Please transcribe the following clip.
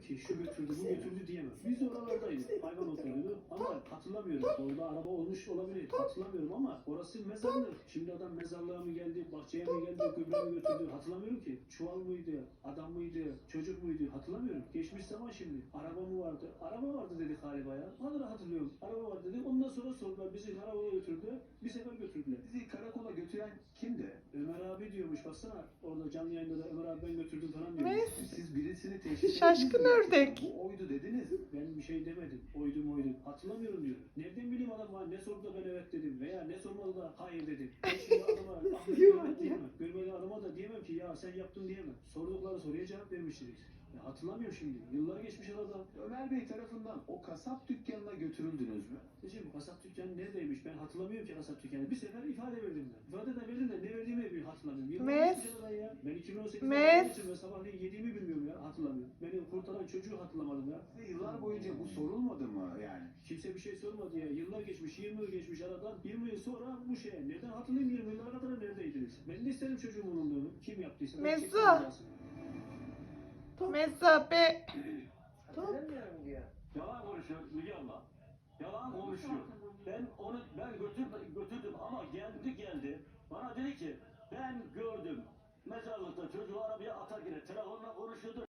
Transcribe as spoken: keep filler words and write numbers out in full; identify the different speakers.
Speaker 1: ki şu götürdü, bu götürdü diyemem. Biz oralardayız. Hayvan otlarıydı ama hatırlamıyorum. Orada araba olmuş olabilir. Hatırlamıyorum ama orası mezarlık. Şimdi adam mezarlığa mı geldi, bahçeye mi geldi, gübre mi götürdü hatırlamıyorum ki. Çuval mıydı, adam mıydı, çocuk muydu hatırlamıyorum. Geçmiş zaman şimdi. Araba mı vardı? Araba vardı dedik galiba ya. Vallahi hatırlıyorum. Araba var dedik. Ondan sonra sordular. Bizi karakola götürdü. Bir sefer götürdüler.
Speaker 2: Sizi karakola götüren kimdi?
Speaker 1: Ömer abi diyormuş baksana. Orada canlı yayında da Ömer abi ben götürdüm falan diyor.
Speaker 3: Ne?
Speaker 2: Siz birisini teşhis
Speaker 3: Şaşkın
Speaker 2: ettiniz mi?
Speaker 3: ördek.
Speaker 2: Bu oydu dediniz.
Speaker 1: Ben bir şey demedim. Oydum oydum. Hatırlamıyorum diyor. Nereden bileyim adam var? Ne sordu da ben evet dedim. Veya ne sormadı da hayır dedim. Ben şimdi adama ahmet evet diyemem. Görmeli adama da diyemem ki ya sen yaptın diyemem. Sordukları soruya cevap vermiştiniz. Ya hatırlamıyorum şimdi. Yıllar geçmiş arada.
Speaker 2: Ömer Bey tarafından o kasap dükkanına götürüldünüz mü?
Speaker 1: Şimdi bu kasap dükkanı neredeymiş? Ben hatırlamıyorum ki kasap dükkanı. Bir sefer ifade verdim ben. İfade de verdim de ne verdiğimi bir hatırlamıyorum. Yıllar
Speaker 3: Mes.
Speaker 1: geçmiş aradan ya. Ben iki bin on sekizde
Speaker 3: Mes.
Speaker 1: olduğum için ben sabahleyin yediğimi bilmiyorum ya. Hatırlamıyorum. Beni kurtaran çocuğu hatırlamadım ya.
Speaker 2: Size yıllar boyunca bu sorulmadı mı yani?
Speaker 1: Kimse bir şey sormadı ya. Yıllar geçmiş, yirmi yıl geçmiş aradan. yirmi yıl sonra bu şeye. Nereden hatırlayayım yirmi yıllara kadar neredeydiniz? Ben de isterim çocuğumun olduğunu. Kim yaptıysa. ben
Speaker 3: Mezzo.
Speaker 1: çektim cezasını.
Speaker 3: Mesafe.
Speaker 4: Hatırlamıyorum diyor.
Speaker 5: Yalan konuşuyor Müge abla. Yalan konuşuyor. Ben onu ben götür, götürdüm ama geldi geldi. Bana dedi ki ben gördüm. Mezarlıkta çocuğu arabaya atarken telefonla konuşuyordu.